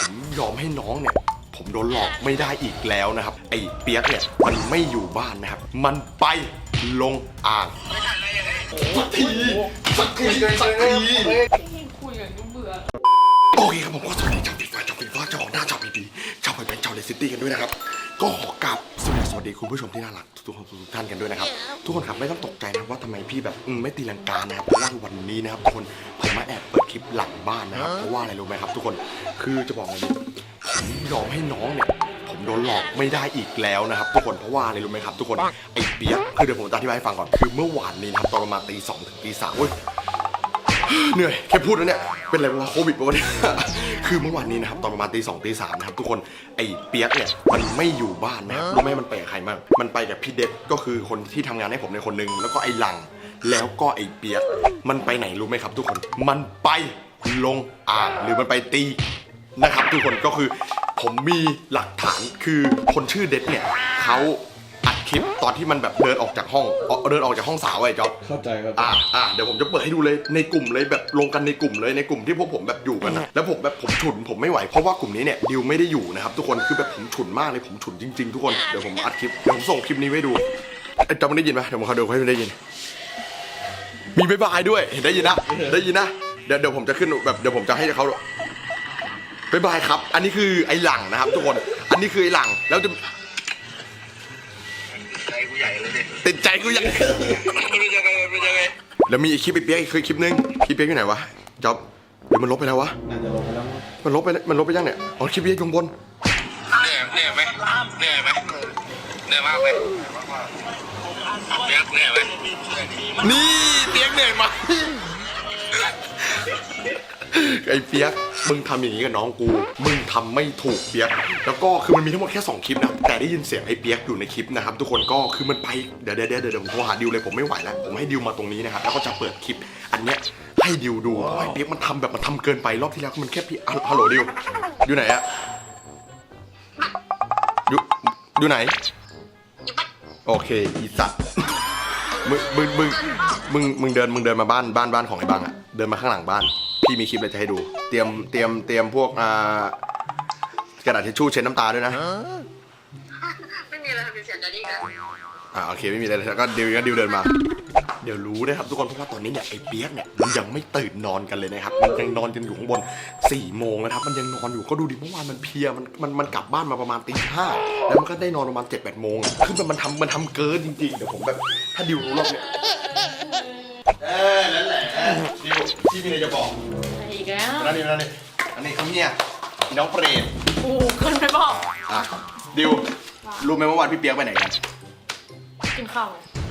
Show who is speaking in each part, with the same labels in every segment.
Speaker 1: ผมยอมให้น้องเนี่ยผมโดนหลอกไม่ได้อีกแล้วนะครับไอ้เปียกเนี่ยมันไม่อยู่บ้านนะครับมันไปลงอ่างสักที
Speaker 2: คุยกันก็เบื่อ
Speaker 1: โอเคครับผมก็สวัสดีชาวฟีฟ่าชาวออกหน้าชาวพีดีชาวไปเป็นชาวเลสซิตี้กันด้วยนะครับก็ขอกราบสวัสดีคุณผู้ชมที่น่ารักทุกท่านกันด้วยนะครับทุกคนครับไม่ต้องตกใจนะว่าทำไมพี่แบบไม่ตีลังกานะครับเพราะว่าวันนี้นะครับทุกคนผมมาแอบเปิดคลิปหลังบ้านนะครับเพราะว่าอะไรรู้ไหมครับทุกคนคือจะบอกเลยผมยอมให้น้องเนี่ยผมโดนหลอกไม่ได้อีกแล้วนะครับทุกคนเพราะว่าอะไรรู้ไหมครับทุกคนไอ้เปี๊ยกคือเดี๋ยวผมจะอธิบายให้ฟังก่อนคือเมื่อวานนี้นะครับตอนประมาณตี 2 ถึงตี 3เว้ยเหนื่อยแค่พูดแล้วเนี่ยเป็นอะไรวะโควิดปะวะเนี่ยคือเมื่อวานนี้นะครับตอนประมาณตี 2 ตี 3นะครับทุกคนไอ้เปี๊ยกเนี่ยมันไม่อยู่บ้านนะครับรู้ไหมมันไปกับใครบ้างมันไปกับพี่เด็ดก็คือคนที่ทำงานให้ผมในคนนึงแล้วก็ไอ้หลังแล้วก็ไอ้เปี๊ยกมันไปไหนรู้ไหมครับทุกคนมันไปลงอ่างหรือมันไปตีนะครับทุกคนก็คือผมมีหลักฐานคือคนชื่อเด็ดเนี่ยเขาอัดคลิปตอนที่มันแบบเดินออกจากห้องสาวไอ้จ๊อบ
Speaker 3: เข้าใจครับ
Speaker 1: เดี๋ยวผมจะเปิดให้ดูเลยในกลุ่มเลยแบบลงกันในกลุ่มเลยในกลุ่มที่พวกผมแบบอยู่กันนะแล้วผมฉุนผมไม่ไหวเพราะว่ากลุ่มนี้เนี่ยดิวไม่ได้อยู่นะครับทุกคนคือแบบผมฉุนมากเลยผมฉุนจริงๆทุกคนเดี๋ยวผมอัดคลิปเดี๋ยวผมส่งคลิปนี้ไว้ดูไอ้จ๊อบมันได้ยินไหมเดี๋ยวผมเขาดูให้มันได้ยินมีบ๊ายบายด้วยเห็นได้ยินนะเดี๋ยวผมจะขึ้นแบบเดี๋ยวผมจะให้เขาบ๊ายบายครับอันนี้คือไอ้หลังนะครับทุกคนอันนี้คือไอ้หลังแล้วจะติดใจกูใหญ่แล้วมีอีกคลิปไอ้เปี๊ยกอีกคลิปนึงคลิปเปี๊ยกอยู่ไหนวะจ๊อบเดี๋ยวมันลบไปแล้ววะ
Speaker 3: น่าจะลงไปแล้ว
Speaker 1: มันลบไปยังเนี่ยอ๋อคลิปเปี๊ยกอยู่บน
Speaker 4: เหนื่อยไหมเหนื่อยมากไหมเปี๊ยกเหนื่อยไหม
Speaker 1: นี่เปี๊ยกเหนื่อยมาไอ้เปี๊ยกมึงทำอย่างนี้กับน้องกูมึงทำไม่ถูกเปี๊ยกแล้วก็คือมันมีทั้งหมดแค่2คลิปนะแต่ได้ยินเสียงไอ้เปี๊ยกอยู่ในคลิปนะครับทุกคนก็คือมันไปเดี๋ยวผมโทรหาดิวเลยผมไม่ไหวแล้วผมให้ดิวมาตรงนี้นะครับแล้วก็จะเปิดคลิปอันเนี้ยให้ดิวดูเพราะไอ้เปี๊ยกมันทำแบบมันทำเกินไปรอบที่แล้วมันแค่พี่ฮัลโหลดิวอยู่ไหนอะอยู่ไหนโอเคอีสัตว์มึงเดินมาบ้านของไอ้บังอะเดินมาข้างหลังบ้านพี่มีคลิปอะไรจะให้ดูเตรียมพวกกระดาษทิชชู่เช็ดน้ำตาด้วยนะ
Speaker 4: ไม่มีอะไรทำเป็นเสียใจดีกัน
Speaker 1: โอเคไม่มีอะไรแล้วก็ดิวเดินมาเดี๋ยวรู้นะครับทุกคนเพราะว่าตอนนี้เนี่ยไอ้เปี๊ยกเนี่ยมันยังไม่ตื่นนอนกันเลยนะครับมันยังนอนกันอยู่ข้างบน4 โมงนะครับมันยังนอนอยู่ก็ดูดิเมื่อวานมันเพลียมันกลับบ้านมาประมาณตี 5แล้วมันก็ได้นอนประมาณ 7-8 โมงคือมันทำเกินจริงๆเดี๋ยวผมแบบถ้าดิวรู้รอบเนี่ยนั่นแหละดิวที่มีอะไรจะบอก
Speaker 2: อีกแล้ว
Speaker 1: อันนี้เขาเนี่ยน้องเปรต
Speaker 2: คนไม่บอก
Speaker 1: ดิวรู้ไหมว่าวันพี่เปี๊ยกไปไหนกัน
Speaker 2: กินข้าว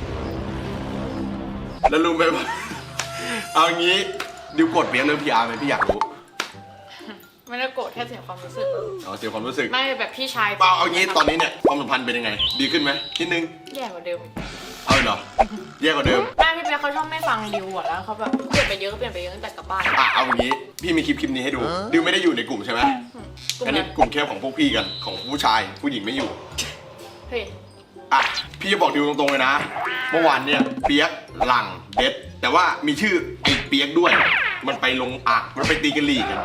Speaker 1: แล้วรู้ไหมว่าเอางี้ดิวกดเปี๊ยกเรื่องพีอาร์ไหมพี่อยากรู้
Speaker 2: ไม่ได้โกรธแค่เสียความรู้สึก
Speaker 1: เสียความรู้สึก
Speaker 2: ไม่แบบพี่ชาย
Speaker 1: เอางี้ตอนนี้เนี่ยความสัมพันธ์เป็นยังไงดีขึ้นไหมนิดนึง
Speaker 2: แย่กว่าเดิม
Speaker 1: เอาเหรอแย่กว่าเดิม
Speaker 2: แม่พี่เปี๊ยกเขาชอบไม่ฟังดิวอ่ะแล้วเขาแบบเปลี่ยนไปเยอะตั้งแต่กลับบ้าน
Speaker 1: เอาอย่างนี้พี่มีคลิปนี้ให้ดูดิวไม่ได้อยู่ในกลุ่มใช่ไหมอันนี้กลุ่มแค่ของพวกพี่กันของผู้ชายผู้หญิงไม่อยู่
Speaker 2: เฮ้ย
Speaker 1: พี่จะบอกดิวตรงๆเลยนะเมื่อวานเนี่ยเปี๊ยกหลังเด็ดแต่ว่ามีชื่อไอ้เปี๊ยกด้วยมันไปลงมันไปตีกันลีกัน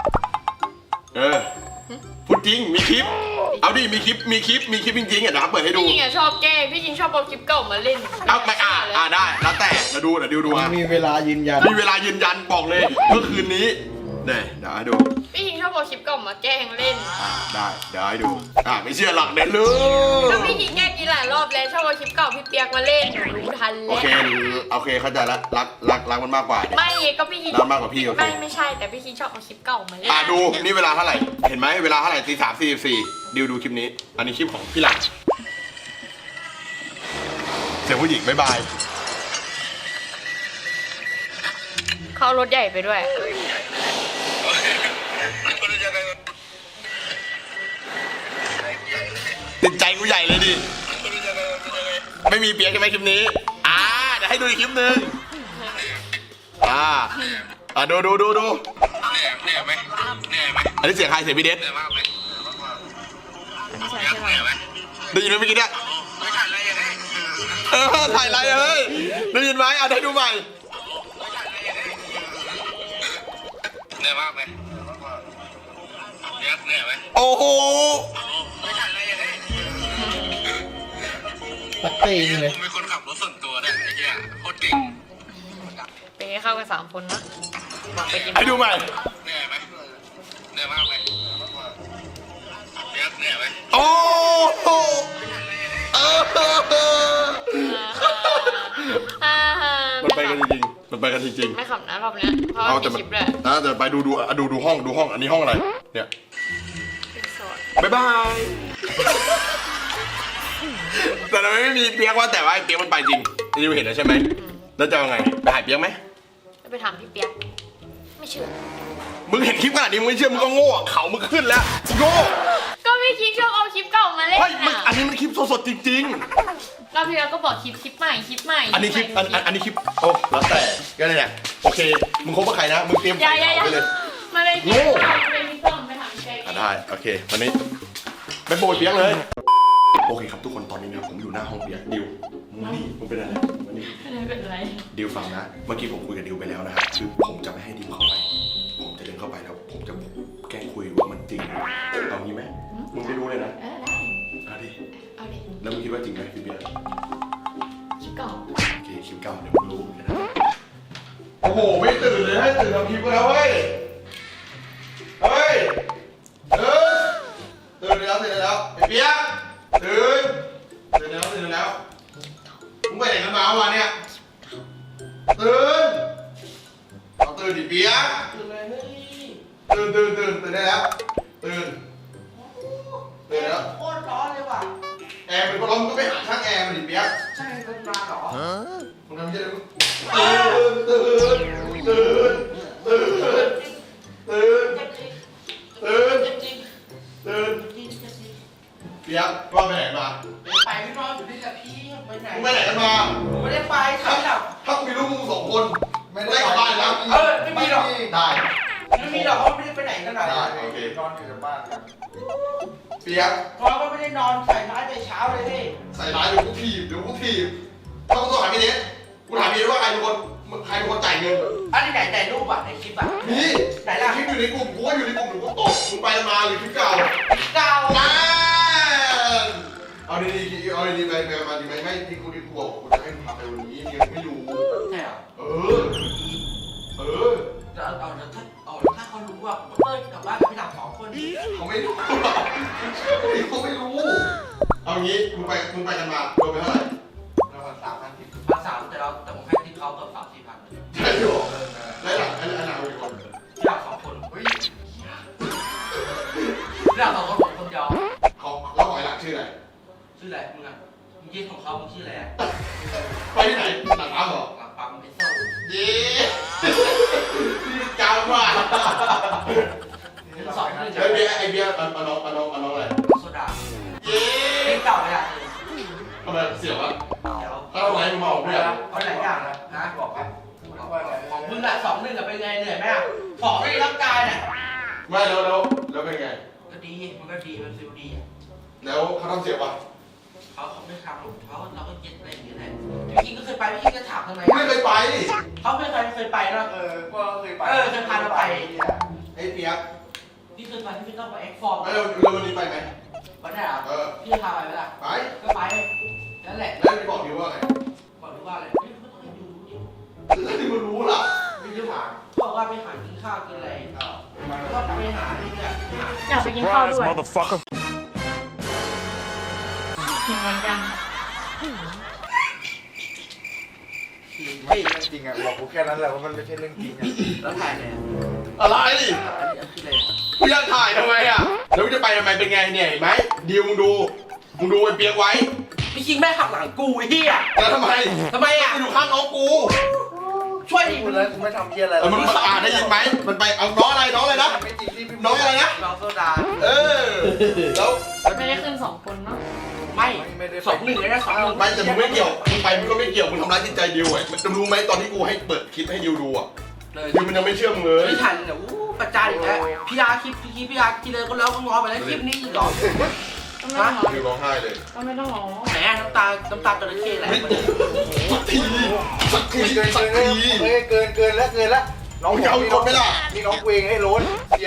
Speaker 1: พูดจริงมีคลิปเอาดิมีคลิปจริงๆนะครับเปิดให้ดู
Speaker 2: พี่จริงชอบแกล้งพี่จริงชอบเอาคลิปเก่ามาเล่น
Speaker 1: เอาไปได้แล้วแต่เดี๋ยวดู
Speaker 3: มีเวลายืน
Speaker 1: ยันบอกเลยเมื่อคืนนี้เดี๋ยวให้ดู
Speaker 2: พี่จริงชอบเอาคลิปเก่ามาแกล้งเล่น
Speaker 1: ได้เดี๋ยวให้ดูไม่เชื่อหลักเด็ดเลย
Speaker 2: ก็พี่จริงแกล้งกี่หลายรอบแล้วชอบเอาคลิปเก่าพี่เปียกมาเล่นรู้ทันแล้ว
Speaker 1: โอเคเข้าใจแล้วรักมันมากกว่า
Speaker 2: ไม่ก็พี่จริง
Speaker 1: รักมากกว่าพี่
Speaker 2: ไม่ใช่แต่พี่จริงชอบเอาคลิปเก่ามาเล่น
Speaker 1: ดูนี่เวลาเท่าไหร่เห็นไหมเวลาเท่าไหร่ตี 3:44ดิวดูคลิปนี้อันนี้คลิปของพี่หลังเสียงผู้หญิงบ๊ายบาย
Speaker 2: เขารถใหญ่ไปด้วย
Speaker 1: ติดใจกูใหญ่เลยดิไม่มีเปี๊ยกใช่ไหมคลิปนี้เดี๋ยวให้ดูอีกคลิปนึงดู
Speaker 4: เหนื่อยไหม
Speaker 1: อันนี้เสียงใครเสียงพี่เด็ดได้ยินไหมเมื่อกี้เนี่ยถ่ายอะไรเฮ้ยได้ยินไหมได้ดูใหม่
Speaker 4: เหนื่อยมากไหมเปี๊ยกเหนื่อยไหม
Speaker 1: โอ้โห
Speaker 4: ไม่ทันเลยยังไง
Speaker 3: ปักเต้งเลย
Speaker 4: ผมเป็นคนขับรถส่วนตัวเนี่ยไอ้เหี้ยโคตรเก่ง
Speaker 2: เป็นไงเข้ากัน3 คนนะบอกไปกิน
Speaker 1: ให้ดูใหม่
Speaker 4: เหนื่อยไหมเหนื่อยมากไหมเปียกเหนื่อยไหม
Speaker 1: โอ้โหเออ มันไปกันจริงๆ มันไปกันจริง
Speaker 2: ไม่ขำนะรอบเนี้ยเพราะ
Speaker 1: ๆ เอา
Speaker 2: ว่า
Speaker 1: แต่
Speaker 2: มี
Speaker 1: มัน
Speaker 2: คลิปด้วย
Speaker 1: แต่ไปดูห้อง อันนี้ห้องอะไร เนี่ย
Speaker 2: เป็นโสด
Speaker 1: บ๊ายบาย แต่ทำไมไม่มีเปียกว่าแต่ว่าไอ้เปียกมันไปจริงดิวเห็นแล้วใช่ไหม แล้วจะเอาไง ไปหายเปียกไหม
Speaker 2: แล้วไปถามพี่เปียกไม่เชื่อ
Speaker 1: มึงเห็นคลิปขนาดนี้มึงไม่เชื่อมึงก็โง่อะเขามึงขึ้นแล้วโง่
Speaker 2: ก็พี่คิงชอบเอาคลิปเก่ามาเล่น
Speaker 1: เฮ้ยมัน
Speaker 2: อ่ะ
Speaker 1: อันนี้มันคลิปสดๆจริง
Speaker 2: เราพี่เราก็บอกคลิปใหม่
Speaker 1: ๆ อันนี้คลิปอันนี้คลิปโอ้แล้วแต่ก็เลยเนี่ยโอเคมึงคบกับใครนะมึงเตรียม
Speaker 2: อย่า
Speaker 1: ใส่เขาไปเลย
Speaker 2: มาเลย
Speaker 1: โง่
Speaker 2: มาเลยพี่ต้อมไปถามพี่เปียก
Speaker 1: ได้โอเควันนี้ไปโบยเปียกเลยโอเคครับทุกคนตอนนี้นะครับผมอยู่หน้าห้องเปียกดิวมึงนี่มึงเป็นอะไรมึงนี่
Speaker 2: ไม่เป็นไร
Speaker 1: ดิวฟังนะเมื่อกี้ผมคุยกับดิวไปแล้วนะครับคือผมจะไม่ให้ดิวเข้าไปผมจะเดินเข้าไปแล้วผมจะแกล้งคุยว่ามันจริงเอางี้ไหมมึงไปดูเลยนะ
Speaker 2: ได้
Speaker 1: เอาดิ
Speaker 2: เอาดิ
Speaker 1: แล้วมึงคิดว่าจริงไหมพี่เปียก
Speaker 2: คลิปเก่า
Speaker 1: โอเคคลิปเก่าเดี๋ยวมึงรู้เหมือนกันนะโอ้โหไม่ตื่นเลยให้ตื่นทำคลิปก็แล้วเฮ้ยเฮ้ยตื่นแล้วไอ้เปียกตื่นแล้วมึงไปไหนกันมาวะเนี่ยตื่นเอาตื่นดิเปียกตื่นได้แล้วตื่นแล้ว
Speaker 3: โคตรร้อนเลยว่ะ
Speaker 1: แอร์เป็นพัดลมก็ไปหาช่างแอร์มาดิเปียก
Speaker 3: ใช่เป็นมาเหรอ
Speaker 1: มึงทำยังไงตื่นเปียกว่าไปไหนมา
Speaker 3: ไปไม่นอนอยู่นี่แหละพี่ไปไหน
Speaker 1: มึงไปไหนกันมา
Speaker 3: ผมไม่ได้ไปใครหลับ
Speaker 1: ถ้ากูมีลูกมึง2 คนไม่ได้กลับบ้านแล้ว
Speaker 3: ไม่มีหรอก
Speaker 1: ได้
Speaker 3: ไม่มีหรอกเขาไม่ได้ไปไหนกันหรอก
Speaker 1: ได้โอเคน
Speaker 3: อนอยู่แต่บ้านกัน
Speaker 1: เปียก
Speaker 3: เพราะว่าไม่ได้นอนใส่ร้ายแต่เช้าเลยพี่
Speaker 1: ใส่ร้ายเดี๋ยวกูถีบถ้ากูต้องหาพี่เนสกูถามพี่เนสว่าใครเป็นคนจ่ายเงิน
Speaker 3: อันนี้ไหนรูปอ่ะในคลิปอ่ะ
Speaker 1: นี่
Speaker 3: ไหนล่ะ
Speaker 1: คลิปอยู่ในกลุ่มกูว่าอยู่ในกลุ่มหนูก็ตกมึงไปมาหรือคลิปเก่า
Speaker 3: เก่า
Speaker 1: เอาดีๆไปมาดีไหมไม่ที่กูบอกกูจะให้มึงพาไปวันนี้เนี่ยไม่รู้
Speaker 3: ใช่เหรอ
Speaker 1: เออ
Speaker 3: ถ้าเขารู้ว่าเปิ้ลกลับบ้านกับพี่หลับ2 คน
Speaker 1: เขาไม่รู้เขาไม่รู้ เอางี้มึงไปกันมาโดนไปเท่าไหร่
Speaker 3: ประมาณ3,000 แต่ผมให้ทิปเขาเกือบ3-4,000เลย
Speaker 1: ใช่หรอแล้วหลังอันหลังเป็นคน
Speaker 3: พี่หลับ2 คนเฮ้ยพี่หลับ2 คนผมคนเดียว
Speaker 1: เขาแล้วหอยหลังชื่ออะไร
Speaker 3: ชื่ออะไรมึงอ่ะมึงยื่นของเขามึงชื่ออะไรอ่ะ
Speaker 1: ไปที่ไหนหลังร้านเหรอ
Speaker 3: หลังปั๊มเอสโซ่
Speaker 1: เย้นี่กาวมาก
Speaker 3: สอนเรื่อง
Speaker 1: ไอเบียร์เอาน้องอะไร
Speaker 3: โซดา
Speaker 1: เย้
Speaker 3: เพลงเก่าเลยอ่ะ
Speaker 1: ทำไมเสียวอะ
Speaker 3: เดี๋ยว
Speaker 1: ถ้าเราไลฟ์มึงมาออกด้วยอะ
Speaker 3: เอาหลายอย่างนะบอกว่าของมึงอ่ะ2-1กับเป็นไงเหนื่อยไหมอ่ะของไม่ร่างกายเนี่ย
Speaker 1: ไม่แล้วเป็นไง
Speaker 3: ก็ดีมันก็ดีมันฟิลดีอ่ะ
Speaker 1: แล้วเขาทำเสียบปะ
Speaker 3: เขาไม่ทำหรอกเขาเราก็เย็ดอะไรอย่างเงี้ยแหละพี่คิงก็เคยไปพี่คิงก็ถามทำไม
Speaker 1: ไม่เคยไป
Speaker 3: เขาไม่เคยไปเนาะ
Speaker 5: ก็เคยไป
Speaker 3: เคยพาเราไป
Speaker 1: ไอ้เปียก
Speaker 3: พี่เคยไปพี่ไม่ต้องไปเอ็กฟอร์ม
Speaker 1: แล้ววันนี้ไปไหม
Speaker 3: วันไหนอ่ะ
Speaker 1: เออ
Speaker 3: พี่พาไปไหมล่ะ
Speaker 1: ไป
Speaker 3: ก็ไปนั่นแหละ
Speaker 1: แล้วไปบอกดิวว่าไง
Speaker 3: บอกรู้ว่าอะไรไม่ต้องให้ดูดิ
Speaker 1: แล้วดิวมันรู้ล่ะ
Speaker 3: ไม่รู้ถามบอกว่าไปหากินข้าวกินอะไรก็ไปหาที่เนี่ย
Speaker 2: อยากไปกินข้าวด้วยกินวันยัง
Speaker 5: ไม่จริงอ่ะบอกกูแค่นั้นแหละว่ามันไม่ใช่เรื่องจริงอ่ะ
Speaker 3: แล้วถ่ายเลย
Speaker 1: อะไร
Speaker 3: อันนี้คืออะไร
Speaker 1: กูอยากถ่ายทำไมอะแล้วมึงจะไปทำไมเป็นไงเนี่ยเห็นไหมดิวมึงดูไอ้เปียกไว้
Speaker 3: พี่คิงแม่ขับหลังกูไอ้เหี้ย
Speaker 1: แล้วทำไม
Speaker 3: ทำไมอ่ะ
Speaker 1: กูอยู่ข้างน้องกู
Speaker 3: ช่วยดิ
Speaker 5: พูดแล้วกูไม่ทำเพี้ยอะไร
Speaker 1: มันได้ยินไหมมันไปเอาน้องอะไรนะ
Speaker 5: ไม่จริงที่พี่
Speaker 1: น้องอะไรนะ
Speaker 3: น้องโซดา
Speaker 1: เออแล้ว
Speaker 2: ไม่ได้ขึ้น2 คนเนาะ
Speaker 3: ไม่2-1เลยนะ2-1
Speaker 1: ไม่แต่มึงไม่เกี่ยวมึงไปมึงก็ไม่เกี่ยวมึงทำร้ายจิตใจดิวอะจะรู้ไหมตอนที่กูให้เปิดคลิปให้ดิวดูอะ
Speaker 3: เลย
Speaker 1: ดิวมันยังไม่เชื่อมึงเลย
Speaker 3: ไม่ทันเนี่ยประจานอีกแล้วพี่อาคลิปพี่อาทีเลยก็แล้วก็งอไปแล้วคลิปนี้อีกเหรอ
Speaker 2: ก็ไม่ต้องร้อง
Speaker 1: ดิวร้องไห้เลย
Speaker 2: ก็ไม่ต้องร้อง
Speaker 3: แหมน้ำตาจระเข้ไหล
Speaker 1: ไม่
Speaker 3: มา
Speaker 1: สักทีสักที
Speaker 5: เกินแล้วน้อง
Speaker 1: มึงจะเอาอีกคนไหมล่ะ
Speaker 5: นี่น้องกูเองไอ้โรนเสียน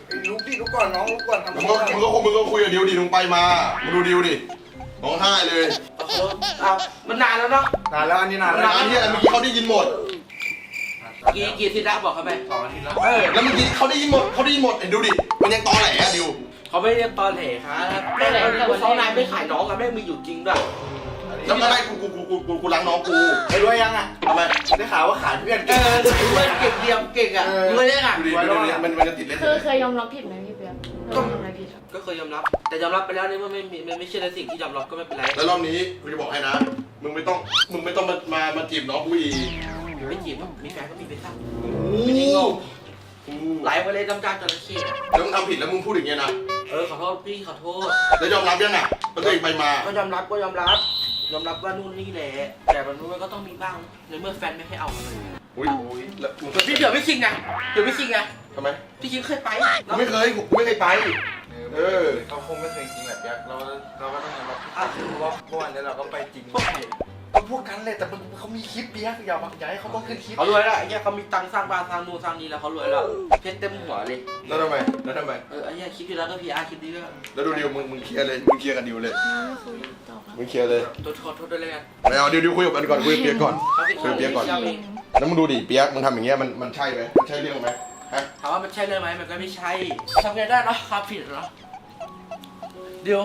Speaker 5: ลุกดิลุกก่อนน้องลุกก่อนทำ
Speaker 1: มึงก็คุยกับดิวดิมึงไปมามึงดูดิวดิร้องไห้เลย
Speaker 3: เอามันนานแล้วเนาะ
Speaker 5: นานแล้วอันนี้นานแล้ว
Speaker 1: งานที่อะไรเมื่อกี้เขาได้ยินหมด
Speaker 3: กี่สินะบอกเขาไป
Speaker 5: 2 อาทิตย์แล้ว
Speaker 1: แล้วเมื่อกี้เขาได้ยินหมดไอ้ดูดิมันยังตอแหลอะดิว
Speaker 3: เขาไม่เรียกตอนเหครับไม่ไหนกูซ้อนายไม่ขายน้องอะแม่งมีอยู่จริงด้วย
Speaker 1: แล้วเมื่อไรกูล้างน้องกู
Speaker 5: ไอ้รวยยังอ่ะ
Speaker 1: ทำไม
Speaker 5: ได้ข่าวว่าขายเพื่อน
Speaker 3: เออเก่งเดียวเก่งอ่ะรวยเลยอ่ะ
Speaker 1: ดูดิมันจะติดเล่น
Speaker 2: เคยยอมรับผิดไหมพี่เปียกเคยยอมรับผิดครับ
Speaker 3: ก็เคยยอมรับ แต่ยอมรับไปแล้วนี่มันไม่ใช่ในสิ่งที่ยอมรับก็ไม่เป็นไร
Speaker 1: แล้วรอบนี้กูจะบอกให้นะมึงไม่ต้องมาจีบน้องกูอีก
Speaker 3: ไม่จีบมีแฟนก็มีไปซะ
Speaker 1: ไม่ได้งง
Speaker 3: ไหลไปเลยน้ำตาจระเข้
Speaker 1: แล้วมึงทำผิดแล้วมึงพูดอย่างเงี้ยนะ
Speaker 3: ขอโทษพี่ขอโทษ
Speaker 1: แล้วยอมรับยังอ่ะว่าตัวเองไปมา
Speaker 3: ก็ยอมรับว่านู่นนี่แหละแต่มันก็ต้องมีบ้างในเมื่อแฟนไม่ให้เอา
Speaker 1: อุ้ยแล้วมึงก็
Speaker 3: พี่เดี๋ยวไม่คิงไง
Speaker 1: ทำไม
Speaker 3: พี่คิงเคยไป
Speaker 1: กูไม่เคยไป
Speaker 5: เขาคงไม่เคยจริงแบบยักษ์เราก็ต้องยอมรับว่าเมื่อวานนี้เราก็ไปจริง
Speaker 3: พวกไหน
Speaker 5: ก็พวกกันเลยแต่เขามีคลิปเปียกอย่าให้เขาต้องขึ้นคลิป
Speaker 3: เขารวยแล้วไอ้เหี้ยเขามีตังค์สร้างบ้านสร้างนู่นสร้างนี่แล้วเขารวยแล้วเพชรเต็มหัวเลย
Speaker 1: แล้วทำไม
Speaker 3: ไอ้เหี้ยคลิปที่แล้วก็พีอาร์คลิปนี้ด้วย
Speaker 1: แล้วดูดิวมึงเคลียร์เลยมึงเคลียร์กับดิวเลย
Speaker 2: ไม่คุยต่อครับ
Speaker 1: มึงเคลียร์เลย
Speaker 3: ขอโทษด้วยเลยกัน
Speaker 1: ไม่เอาดิวคุยกับกันก่อนคุยกับเปียกก่อนคุยกับเปียกก่อน
Speaker 2: จริง
Speaker 1: แล้วมึงดูดิเปียกมึงทำอย่างเงี้ยมันใช่ไหมมันใช่เรื่องไหมฮะ
Speaker 3: ถามว่ามันใช่เลยไหมมันก็ไม่ใช่ทำไงได้เนาะความผิดเนาะเดี๋ยว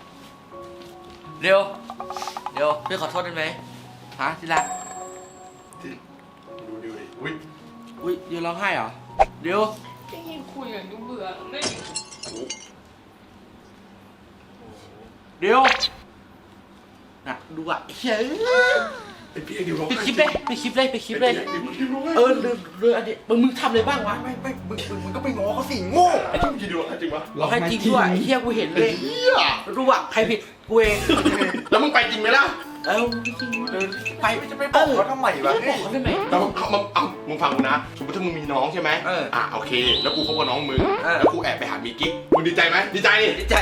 Speaker 3: พี่ขอโทษได้ไหมฮะที่รัก
Speaker 1: ดูดิวดิอุ้ย
Speaker 3: อุ้ยเดี๋ยวร้องไห้เหรอเดี๋ยว
Speaker 2: พี่ยิงคุยอย่างดูเบื่อไม่
Speaker 3: เดี๋ยวน่ะดูอ่ะเฮ้ย
Speaker 1: ไอ้เปียกดิวร้อง
Speaker 3: ไป
Speaker 1: ไห้
Speaker 3: คลิปเลยเลยอันนี้มึงทำอะไรบ้างวะ
Speaker 5: ไม่มึงก็ไปง้อเขาสิโง่
Speaker 1: ไอ้ที่มึงคิดดูจริงปะ
Speaker 3: ร้องไห้จริงด้วยไอ้เหี้ยกูเห็นเลย
Speaker 1: เฮีย
Speaker 3: รู้อ่ะใครผิดกูเอง
Speaker 1: แล้วมึงไปจริงไหมล่ะ
Speaker 3: ไป
Speaker 5: จะไปบอกเขาทำไมวะ
Speaker 3: บอกเขาได้ไหม
Speaker 1: แล้วมึงฟังกูนะสมมติถ้ามึงมีน้องใช่ไหมโอเค แล้วกูคบกับน้องมึงแล้วกูแอบไปหามีกิ๊กมึงดีใจไหมดีใจดิ
Speaker 3: ดีใจ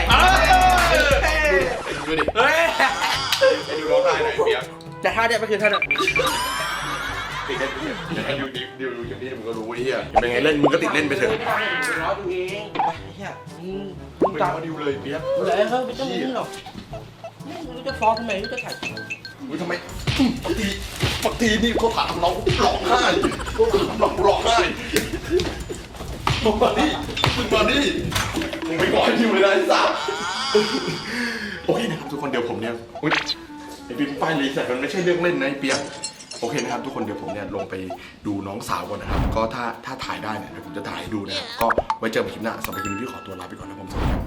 Speaker 1: ดูดิ
Speaker 3: เฮ้ย
Speaker 1: ไอ้ดูร้องไห้หน่อยเปียก
Speaker 3: แต่ท่าเนี่ยมันคือท่าเนี่ย
Speaker 1: ติดเล่นไปเถอะไอ้ดิวอย่างนี้มึงก็รู้ไอ้เหี้ยเป็นไงเล่นมึงก็ติดเล่นไปเถอะ
Speaker 3: ไม่ได้ร้อยตัวเองไปเฮียมึ
Speaker 1: มึ
Speaker 3: ง
Speaker 1: ง
Speaker 3: ตา
Speaker 1: ตาม มดิวเลยเปียก
Speaker 3: เลยเฮ้ยไม่ต้องนี่หรอกไม่รู้จะฟ้องทำไมรู้จะถ่าย
Speaker 1: มึงทำไมบางทีนี่เขาถามเราร้องไห้เขาถามเราร้องไห้มึงมาดิมึงไปก่อนดิวเลยนะไอ้สัสโอเคนะครับทุกคนเดี๋ยวผมเนี่ยอุ๊ยไอ้ปิ๊มป้ายรีเซ็ตมันไม่ใช่เรื่องเล่นนะไอ้เปียกโอเคนะครับทุกคนเดี๋ยวผมเนี่ยลงไปดูน้องสาวก่อนนะครับก็ถ้าถ่ายได้เนี่ยเดี๋ยวผมจะถ่ายให้ดูนะครับก็ไว้เจอกันคลิปหน้าสำหรับคลิปนี้พี่ขอตัวลาไปก่อนนะผมสวัสดีครับ